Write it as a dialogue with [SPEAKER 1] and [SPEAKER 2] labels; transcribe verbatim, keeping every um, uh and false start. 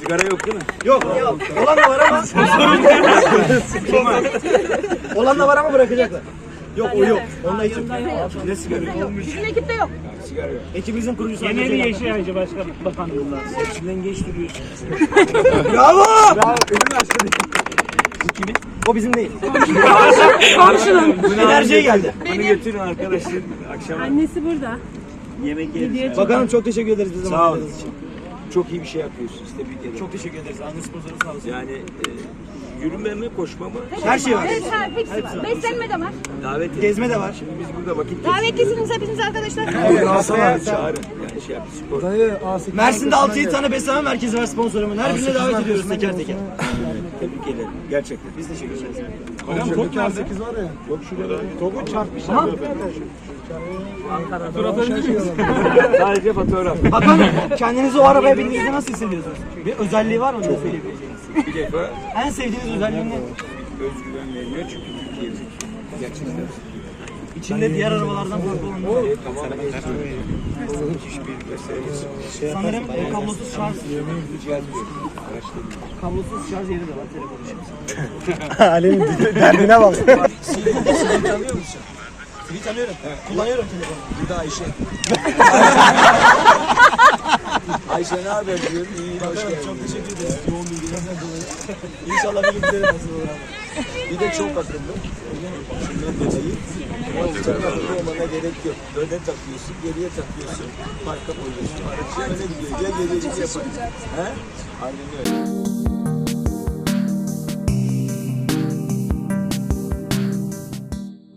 [SPEAKER 1] Sigara yok değil mi?
[SPEAKER 2] Yok. Yok. Olan da var ama. Olan da var ama bırakacaklar. Yok o yok. Onunla hiç yok. Ne sigara yok?
[SPEAKER 3] Bizim ekipte yok.
[SPEAKER 1] Sigara yok.
[SPEAKER 2] Ekibimizin kurucusu.
[SPEAKER 4] Geneli Yeşilaycı Başkan Bakanlığı'ndan.
[SPEAKER 1] Hepsinden genç duruyorsun.
[SPEAKER 2] Bravo!
[SPEAKER 1] Bravo. Ürün açtı. Bu kimin?
[SPEAKER 2] O bizim değil.
[SPEAKER 3] Komşunun.
[SPEAKER 2] Enerjiye geldi.
[SPEAKER 1] Bunu götürün arkadaşlar. Akşam
[SPEAKER 3] Annesi burada.
[SPEAKER 1] yemek yeriz.
[SPEAKER 2] Bakanım çok teşekkür ederiz bize
[SPEAKER 1] Sağ olun.
[SPEAKER 2] için.
[SPEAKER 1] Çok iyi bir şey yapıyorsunuz. Tebrik ederim.
[SPEAKER 2] Çok teşekkür ederiz. Anne sponsoru sağ olsun.
[SPEAKER 1] Yani e, yürüme mi koşma mı?
[SPEAKER 2] Her şey var.
[SPEAKER 3] Evet, her hepsi var. Beslenme de var.
[SPEAKER 1] Davet edin.
[SPEAKER 2] Gezme de var.
[SPEAKER 1] Şimdi biz burada vakit
[SPEAKER 3] Davetlisiniz hepiniz arkadaşlar.
[SPEAKER 1] geçiriyoruz. Çağırın. Yani şey yap. Spor.
[SPEAKER 2] Mersin'de altı yedi tane beslenme merkezi var sponsorumun. Her birine davet ediyoruz teker teker.
[SPEAKER 1] Tebrik ederim. Gerçekten.
[SPEAKER 2] Biz teşekkür ederiz.
[SPEAKER 5] Hocam top nerede? var ya.
[SPEAKER 1] Yok şurada.
[SPEAKER 5] Topu çarpmış.
[SPEAKER 1] Sadece fotoğraf.
[SPEAKER 2] Bakanım kendinizi o arabaya bindiğinizde nasıl hissediyorsunuz? Bir özelliği var mı? Ne söyleyebileceğiniz?
[SPEAKER 1] Bir defa
[SPEAKER 2] En sevdiğiniz özelliği ne?
[SPEAKER 1] özgüven veriyor çünkü Türkiye'miz gerçekten.
[SPEAKER 2] İçinde diğer arabalardan farklı olan ne?
[SPEAKER 1] Tamamen hiçbir meselesi.
[SPEAKER 2] Sanırım e, kablosuz şarj.
[SPEAKER 1] Cihaz yok. Araçta
[SPEAKER 2] Kablosuz şarj yeri de var telefon için.
[SPEAKER 5] Ali'nin derdine bak.
[SPEAKER 1] Seni tanıyor musun?
[SPEAKER 2] Seni tanıyorum. Kullanıyorum telefonu.
[SPEAKER 1] Bu da Ayşe. Ayşe ne haber diyorum? İyi, hoş geldin.
[SPEAKER 2] Çok teşekkür ederiz. Yoğun bilgilerden dolayı. İnşallah bir gün bize de nasip olur ama.
[SPEAKER 1] Bir de çok akıllı. Şundan dolayı. Çok akıllı olmana gerek yok. Öne takıyorsun, geriye takıyorsun. Parka koyuyorsun. Araç öne gidiyor. Ya geriye gidiyor. He? Aynen öyle.